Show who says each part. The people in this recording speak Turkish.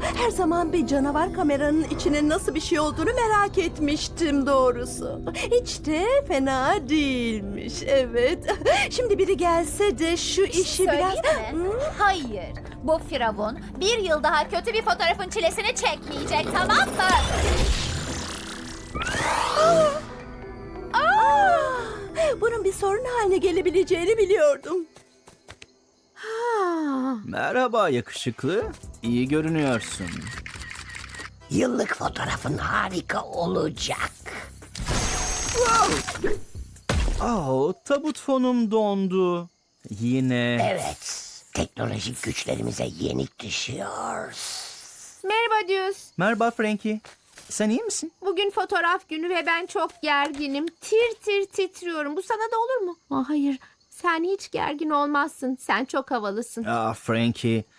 Speaker 1: Her zaman bir canavar kameranın içine nasıl bir şey olduğunu merak etmiştim doğrusu. Hiç de fena değilmiş, evet. Şimdi biri gelse de şu işi biraz...
Speaker 2: Söyleyeyim mi? Hayır. Bu firavun bir yıl daha kötü bir fotoğrafın çilesini çekmeyecek, tamam mı?
Speaker 1: Bunun bir sorun haline gelebileceğini biliyordum.
Speaker 3: Merhaba yakışıklı. İyi görünüyorsun.
Speaker 4: Yıllık fotoğrafın harika olacak.
Speaker 3: Tabut fonum dondu. Yine.
Speaker 4: Evet, teknolojik güçlerimize yenik düşüyoruz.
Speaker 5: Merhaba Düz.
Speaker 3: Merhaba Frankie. Sen iyi misin?
Speaker 5: Bugün fotoğraf günü ve ben çok gerginim. Tir tir titriyorum. Bu sana da olur mu? Hayır. Sen hiç gergin olmazsın. Sen çok havalısın.
Speaker 3: Frankie.